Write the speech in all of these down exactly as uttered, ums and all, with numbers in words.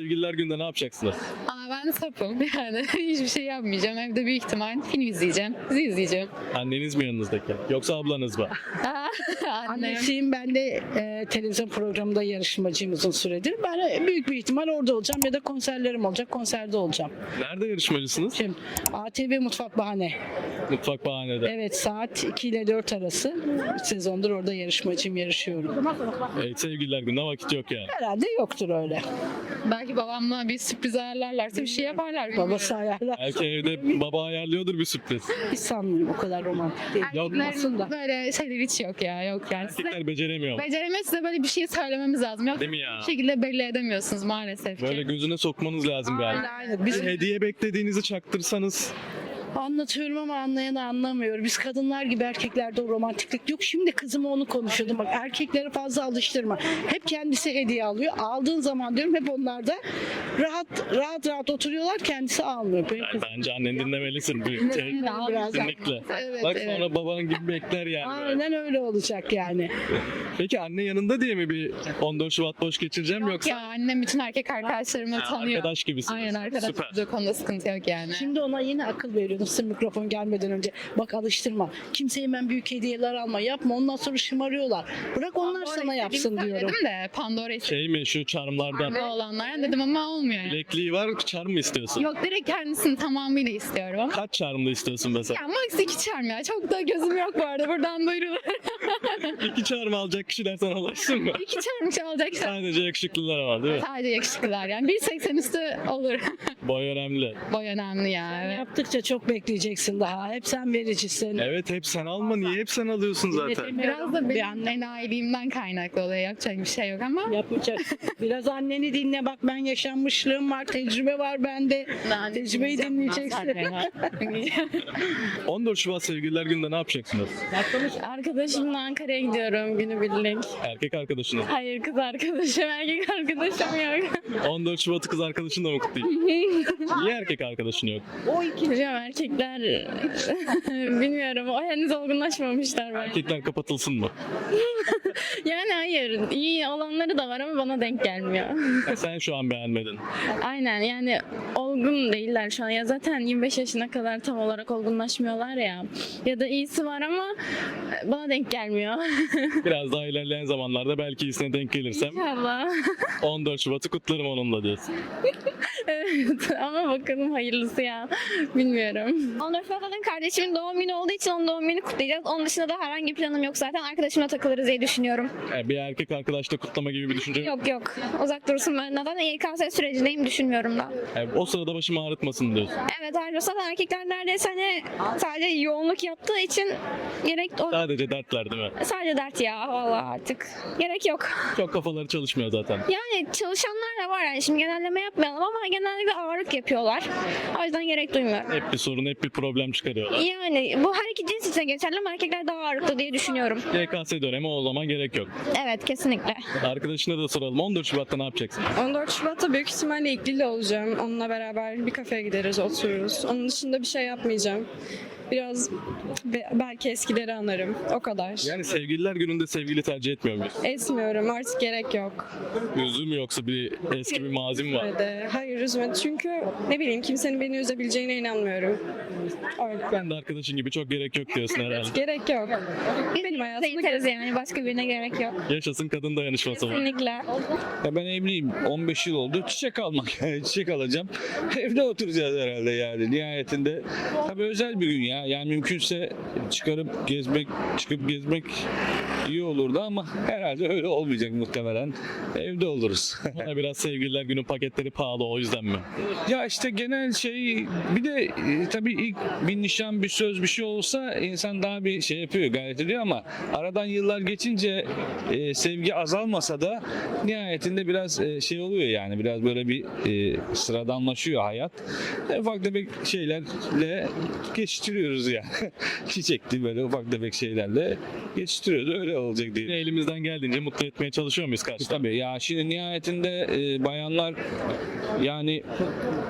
Sevgililer Günü'nde ne yapacaksınız? Aa, ben sapım yani hiçbir şey yapmayacağım. Evde büyük ihtimal film izleyeceğim, dizi izleyeceğim. Anneniz mi yanınızdaki? Yoksa ablanız mı? Aa, annem. Annesiyim, ben de e, televizyon programında yarışmacıyım uzun süredir. Ben e, büyük bir ihtimal orada olacağım ya da konserlerim olacak, konserde olacağım. Nerede yarışmacısınız? Şimdi A T V Mutfak Bahane. Mutfak Bahane'de. Evet, saat iki ile dört arası. üç sezondur orada yarışmacıyım, yarışıyorum. Evet, Sevgililer Günü'ne vakit yok yani. Herhalde yoktur öyle. Belki babamla bir sürpriz ayarlarlarsa bir şey yaparlar. bilmiyorum. Babası ayarlar. Belki evde baba ayarlıyordur bir sürpriz. Hiç sanmıyorum, o kadar romantik değil. Yok. Olmasın da. Böyle şeyler hiç yok ya, yok yani. Size, Erkekler beceremiyor mu? beceremez size böyle bir şey söylememiz lazım. Yok Değil mi ya? bir şekilde belli edemiyorsunuz maalesef Böyle ki. gözüne sokmanız lazım galiba. Aynen, aynen. Biz Bir hediye beklediğinizi çaktırsanız. anlatıyorum ama anlayan anlamıyor. Biz kadınlar gibi erkeklerde o romantiklik yok. Şimdi kızıma onu konuşuyordum. Bak, erkekleri fazla alıştırma. Hep kendisi hediye alıyor. Aldığın zaman diyorum hep onlar da rahat rahat rahat oturuyorlar. Kendisi almıyor. Benim Yani kızım bence annen dinlemelisin. Bu te- biraz. Kesinlikle. Evet, Bak evet. sonra baban gibi bekler yani. Aynen öyle olacak yani. Peki anne yanında diye mi bir on dört Şubat boş geçireceğim yoksa Ya annem bütün erkek arkadaşlarımı ha, tanıyor. arkadaş gibisiniz? Aynen arkadaş. Süper. Bu konuda sıkıntı yok yani. Şimdi ona yine akıl veriyordum sırf mikrofon gelmeden önce. Bak, alıştırma. Kimseye hemen büyük hediyeler alma. Yapma. Ondan sonra şımarıyorlar. Bırak onlar Pandora sana yapsın istediğimi diyorum. söyledim de Pandora istediğim Şey mi şu charmlardan? olanlar dedim ama olmuyor yani. Bilekliği var, charm mı istiyorsun? Yok direkt kendisini tamamıyla istiyorum. Kaç charmlı istiyorsun mesela? Ya max iki charm ya. Çok da gözüm yok bu arada. Buradan duyurulur. İki charm alacak kişiler sana ulaşsın mı? iki charm çalacak. Sadece yakışıklılar var değil mi? Sadece yakışıklılar yani. bir seksen üstü olur. Boy önemli. Boy önemli ya. Evet. Yaptıkça çok bekleyeceksin daha. Hep sen vericisin. Evet hep sen alma. Niye hep sen alıyorsun zaten? Biraz da Bir benim anne- enayiliğimden kaynaklı oluyor. Yapacak bir şey yok ama. Yapacak. Biraz anneni dinle, bak ben yaşanmışlığım var, tecrübe var bende. Tecrübeyi dinleyeceksin. on dört Şubat Sevgililer Günü'nde ne yapacaksınız? Arkadaşımla Ankara'ya gidiyorum günübirlik. Erkek arkadaşınız. Hayır, kız arkadaşım, erkek arkadaşım yok. on dört Şubat'ı kız arkadaşınla mı kutlayayım? Niye erkek arkadaşın yok? Hocam erkekler bilmiyorum, o henüz olgunlaşmamışlar bence. Erkekler kapatılsın mı? Yani hayır, iyi olanları da var ama bana denk gelmiyor. Ya sen şu an beğenmedin. Aynen, yani olgun değiller şu an. Ya zaten yirmi beş yaşına kadar tam olarak olgunlaşmıyorlar ya. Ya da iyisi var ama bana denk gelmiyor. Biraz daha ilerleyen zamanlarda belki iyisine denk gelirsem İnşallah. on dört Şubat'ı kutlarım onunla diyorsun. Evet ama bakalım hayırlısı ya. Bilmiyorum. on dört Şubat'ın kardeşimin doğum günü olduğu için onun doğum gününü kutlayacağız. Onun dışında da herhangi bir planım yok zaten. Arkadaşımla takılırız diye düşünüyorum. Yani bir erkek arkadaşla kutlama gibi bir düşünce yok. Yok yok. Uzak dursun benden. E K S sürecindeyim, düşünmüyorum da. Yani o sırada başımı ağrıtmasın diyorsun. Evet ayrıca zaten erkekler neredeyse hani sadece yoğunluk yaptığı için gerek o Sadece dertler değil mi? sadece dert ya vallahi artık. Gerek yok. Çok kafaları çalışmıyor zaten. Yani çalışanlar da var yani şimdi genelleme yapmayalım ama genellikle ağırlık yapıyorlar. O yüzden gerek duymuyorum. Hep bir sorun, hep bir problem çıkarıyorlar. Yani bu her iki cins için geçerli ama erkekler daha ağırlıklı diye düşünüyorum. Y K S dönemi o zaman gerek yok. Evet kesinlikle. Arkadaşına da soralım. on dört Şubat'ta ne yapacaksın? on dört Şubat'ta büyük ihtimalle ilgili olacağım. Onunla beraber bir kafeye gideriz, otururuz. Onun dışında bir şey yapmayacağım. Biraz be- belki eskileri anarım. O kadar. Yani sevgililer gününde sevgili tercih etmiyor muyuz? Esmiyorum. Artık gerek yok. Üzüm yoksa bir eski bir mazim var. Öyle. Hayır üzme. Çünkü ne bileyim kimsenin beni üzebileceğine inanmıyorum. Öyle. Ben de arkadaşın gibi çok gerek yok diyorsun herhalde. Gerek yok. Benim hayatımda Yeteriz yani başka birine gerek yok. Yaşasın kadın dayanışması var. Kesinlikle. Ya ben evliyim. on beş yıl oldu. Çiçek almak. Yani çiçek alacağım. Evde oturacağız herhalde yani. Nihayetinde tabii özel bir gün ya. Yani mümkünse çıkarıp gezmek, çıkıp gezmek iyi olurdu ama herhalde öyle olmayacak muhtemelen. Evde oluruz. Bana biraz sevgililer günü paketleri pahalı o yüzden mi? Ya işte genel şey bir de e, tabii ilk bir nişan, bir söz, bir şey olsa insan daha bir şey yapıyor, gayret ediyor ama aradan yıllar geçince e, sevgi azalmasa da nihayetinde biraz e, şey oluyor yani biraz böyle bir e, sıradanlaşıyor hayat. E, ufak tefek şeylerle geçiştiriyoruz ya. Çiçekli böyle ufak tefek şeylerle geçiştiriyoruz. Öyle olacak diye. Yine elimizden geldiğince mutlu etmeye çalışıyor muyuz karşı? Tabii ya şimdi nihayetinde e, bayanlar yani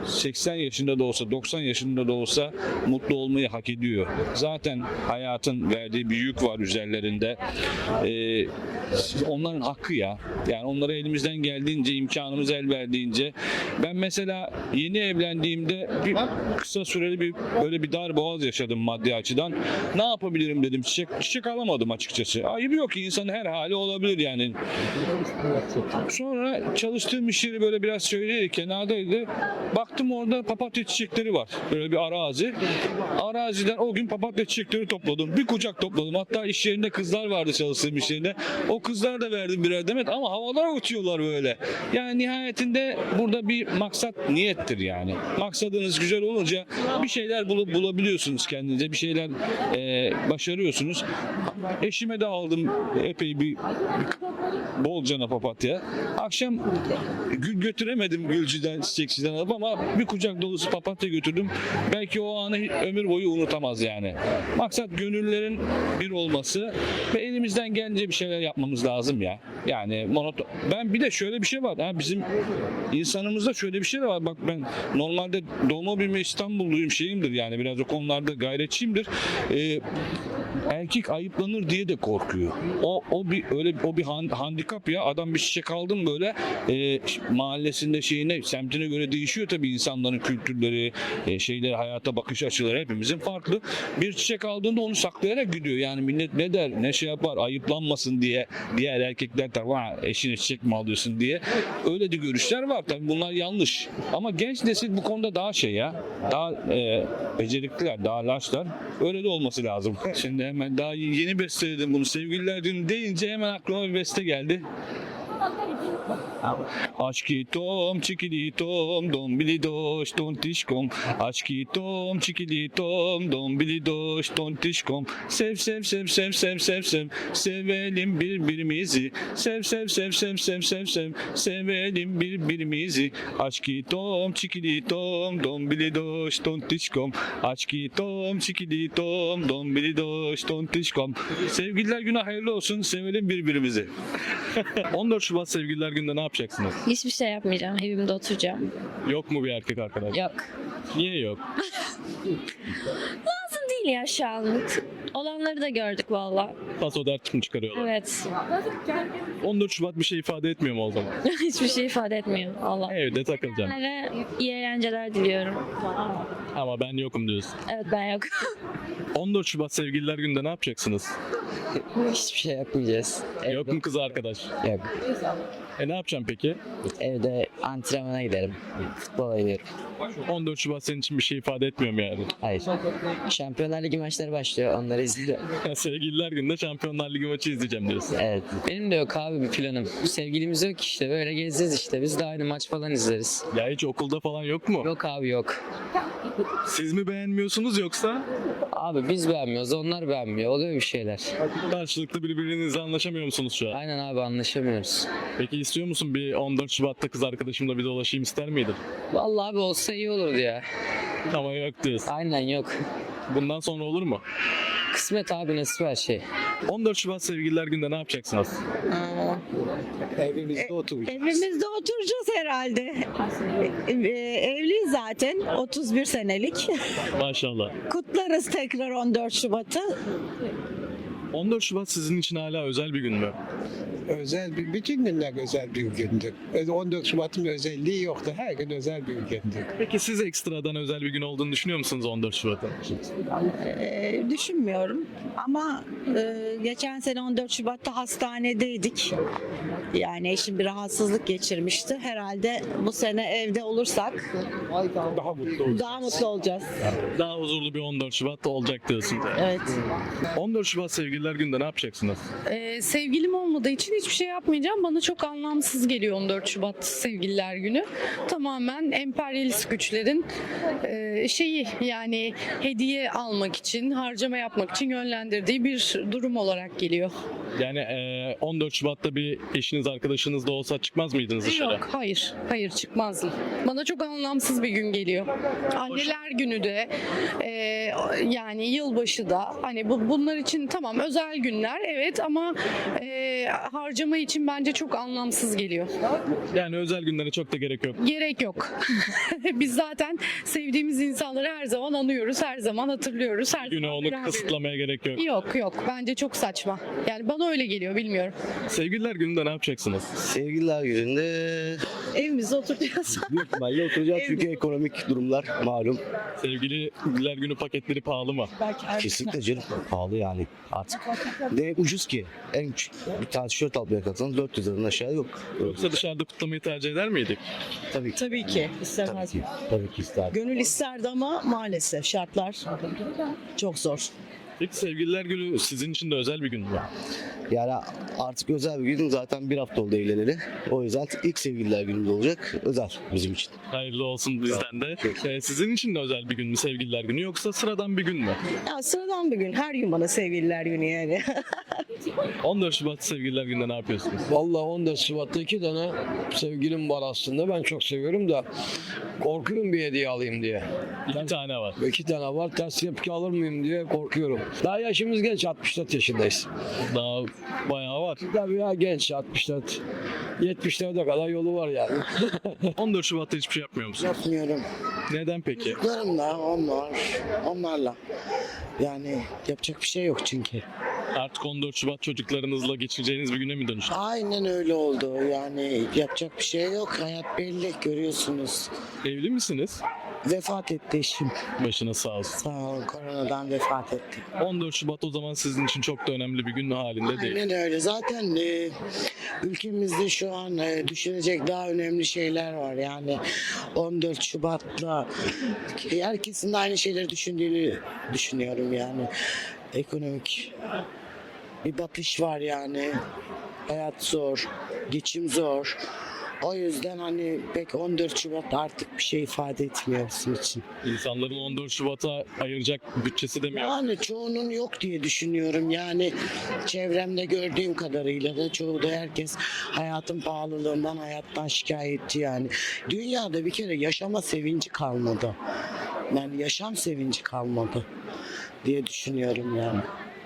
seksen yaşında da olsa, doksan yaşında da olsa mutlu olmayı hak ediyor. Zaten hayatın verdiği bir yük var üzerlerinde. Ee, onların hakkı ya. Yani onlara elimizden geldiğince, imkanımız el verdiğince. Ben mesela yeni evlendiğimde bir kısa süreli bir böyle bir dar boğaz yaşadım maddi açıdan. Ne yapabilirim dedim. Çiçek, çiçek alamadım açıkçası. Ayıbı yok ki, insanın her hali olabilir yani. Sonra çalıştığım iş yeri böyle biraz şöyleydi, kenardaydı. Baktım orada papatya çiçekleri var. Böyle bir arazi. Araziden o gün papatya çiçekleri topladım. Bir kucak topladım. Hatta iş yerinde kızlar vardı çalıştığım iş yerinde. O kızlara da verdim birer demet ama havalara uçuyorlar böyle. Yani nihayetinde burada bir maksat niyettir yani. Maksadınız güzel olunca bir şeyler bulup bulabiliyorsunuz kendinize. Bir şeyler e, başarıyorsunuz. Eşime de aldım epey bir, bir bolcana papatya. Akşam gül götüremedim gülcüden, çiçekçiden alıp ama bir kucak dolusu papatya götürdüm. Belki o anı ömür boyu unutamaz yani. Maksat gönüllerin bir olması ve elimizden gelince bir şeyler yapmamız lazım ya. Yani monoton. Ben bir de şöyle bir şey var. Ha, bizim insanımızda şöyle bir şey de var. Bak ben normalde doğma büyüme İstanbulluyum şeyimdir yani biraz o konularda gayretçiyimdir. Ee, erkek ayıplanır diye de korkuyor. O o bir öyle o bir handikap ya. Adam bir çiçek aldım böyle e, mahallesinde şeyine, semtine göre değişiyor tabii insanların kültürleri, e, şeyleri, hayata bakış açıları hepimizin farklı. Bir çiçek aldığında onu saklayarak gidiyor. Yani millet ne der, ne şey yapar, ayıplanmasın diye diğer erkekler de vah eşine çiçek mi alıyorsun diye. Öyle de görüşler var tabii, bunlar yanlış. Ama genç nesil bu konuda daha şey ya, daha e, becerikliler, daha laşlar. Öyle de olması lazım. Şimdi hemen daha yeni besteledim bunu. Sevgililer Günü deyince hemen aklıma bir beste geldi. Aşkitom çikilitom dombilidoş tontişkom. Aşkitom çikilitom dombilidoş tontişkom. Sev sev sev sev sev sev sev sevelim birbirimizi. Sev sev sev sev sev sev sev sevelim birbirimizi. Aşkitom çikilitom dombilidoş tontişkom. Aşkitom çikilitom dombilidoş tontişkom. Sevgililer Günü hayırlı olsun. Sevelim birbirimizi. on dört Şubat Sevgililer Günü'nde ne yapacaksınız? Hiçbir şey yapmayacağım. Evimde oturacağım. Yok mu bir erkek arkadaş? Yok. Niye yok? Lazım değil ya şu anlık. Olanları da gördük valla. Paso dert mi çıkarıyorlar? Evet. on dört Şubat bir şey ifade etmiyor mu o zaman? Hiçbir şey ifade etmiyor. Allah. Evde takılacağım. Onlara iyi eğlenceler diliyorum. Ama ben yokum diyorsun. Evet ben yok. on dört Şubat Sevgililer Günü'nde ne yapacaksınız? Hiçbir şey yapmayacağız. Yok mu kız arkadaş? Yok. E ne yapacağım peki? Evde antrenmana giderim. Futbola giderim. on dört Şubat senin için bir şey ifade etmiyor mu yani? Hayır. Şampiyonlar Ligi maçları başlıyor. Onları izliyorum. Sevgililer Günü'nde Şampiyonlar Ligi maçı izleyeceğim diyorsun. Evet. Benim de yok abi bir planım. Sevgilimiz yok işte. Böyle gezeceğiz işte. Biz de aynı maç falan izleriz. Ya hiç okulda falan yok mu? Yok abi yok. Siz mi beğenmiyorsunuz yoksa Abi biz beğenmiyoruz. Onlar beğenmiyor. Oluyor bir şeyler. karşılıklı birbirinizle anlaşamıyor musunuz şu an? Aynen abi anlaşamıyoruz. Peki istiyor musun bir on dört Şubat'ta kız arkadaşımla bir dolaşayım ister miydin? Vallahi abi olsa iyi olurdu ya. Ama yok diyorsun. Aynen yok. Bundan sonra olur mu? Kısmet abi nasip her şey. on dört Şubat Sevgililer Günü'nde ne yapacaksınız? Evimizde oturacağız. Evimizde oturacağız herhalde. Ee, Evliyiz zaten otuz bir senelik. Maşallah. Kutlarız tekrar on dört Şubat'ı. on dört Şubat sizin için hala özel bir gün mü? Özel bir, bütün günler özel bir gündür. on dört Şubat'ın özelliği yoktu. Her gün özel bir gündür. Peki siz ekstradan özel bir gün olduğunu düşünüyor musunuz on dört Şubat'ın? Ee, düşünmüyorum ama e, geçen sene on dört Şubat'ta hastanedeydik. Yani eşim bir rahatsızlık geçirmişti. Herhalde bu sene evde olursak Daha mutlu olacağız. daha mutlu olacağız. Daha huzurlu bir on dört Şubat olacak diyorsun. Evet. on dört Şubat Sevgililer Günü'nde ne yapacaksınız? Ee, sevgilim olmadığı için hiçbir şey yapmayacağım. Bana çok anlamsız geliyor on dört Şubat Sevgililer Günü. Tamamen emperyalist güçlerin e, şeyi yani hediye almak için, harcama yapmak için yönlendirdiği bir durum olarak geliyor. Yani e, on dört Şubat'ta bir eşiniz, arkadaşınız da olsa çıkmaz mıydınız dışarı? Yok, hayır, hayır çıkmazdım. Bana çok anlamsız bir gün geliyor. Anneler Günü de, e, yani yılbaşı da, hani bu, bunlar için tamam özel günler, evet ama e, harcama için bence çok anlamsız geliyor. Yani özel günlere çok da gerek yok. Gerek yok. Biz zaten sevdiğimiz insanları her zaman anıyoruz, her zaman hatırlıyoruz. Her Güne zaman onu beraber- kısıtlamaya gerek yok. Yok yok, bence çok saçma. Yani bana öyle geliyor, bilmiyorum. Sevgililer Günü'nde ne yapacaksınız? Sevgililer gününde Evimizde oturacağız. büyük ihtimalle oturacağız çünkü ekonomik durumlar malum. Sevgililer Günü paketleri pahalı mı? Kesinlikle canım pahalı yani artık. Ne ucuz ki. En küçük bir tane tişört almaya kalksanız dört yüz liradan aşağı yok. Yoksa dışarıda kutlamayı tercih eder miydik? Tabii ki. Tabii ki Tabii istemez. ki. Tabii ki ister. Gönül isterdi ama maalesef şartlar çok zor. Peki Sevgililer Günü sizin için de özel bir gün mü? Yani artık özel bir gün zaten bir hafta oldu evleneli. O yüzden ilk sevgililer günümüz olacak. Özel bizim için. Hayırlı olsun bizden de. Ee, sizin için de özel bir gün mü Sevgililer Günü yoksa sıradan bir gün mü? Ya sıradan bir gün. Her gün bana sevgililer günü yani. on dört Şubat Sevgililer Günü'nde ne yapıyorsunuz? Vallahi on dört Şubat'ta iki tane sevgilim var aslında. Ben çok seviyorum da korkuyorum bir hediye alayım diye. İki tane var. İki tane var. Ters tepki alır mıyım diye korkuyorum. Daha yaşımız genç. altmış dört yaşındayız. Daha bayağı var. Tabii ya genç. altmış dört. yetmişlere kadar yolu var yani. on dört Şubat'ta hiçbir şey yapmıyor musunuz? Yapmıyorum. Neden peki? Çocuklarımla, onlar, onlarla. Yani yapacak bir şey yok çünkü. Artık on dört Şubat çocuklarınızla geçireceğiniz bir güne mi dönüştü? Aynen öyle oldu. Yani yapacak bir şey yok. Hayat belli, görüyorsunuz. Evli misiniz? Vefat etti eşim. Başına sağ olsun. Sağ olun, koronadan vefat etti. on dört Şubat o zaman sizin için çok da önemli bir gün halinde değil. Aynen öyle. Zaten e, ülkemizde şu an e, düşünecek daha önemli şeyler var. Yani on dört Şubat'la herkesin de aynı şeyleri düşündüğünü düşünüyorum yani. Ekonomik bir batış var yani. Hayat zor, geçim zor. O yüzden hani pek on dört Şubat artık bir şey ifade etmiyor bizim için. İnsanların on dört Şubat'a ayıracak bütçesi de mi yok? Yani çoğunun yok diye düşünüyorum. Yani çevremde gördüğüm kadarıyla da çoğu da herkes hayatın pahalılığından, hayattan şikayetçi yani. Dünyada bir kere yaşama sevinci kalmadı. Yani yaşam sevinci kalmadı diye düşünüyorum yani.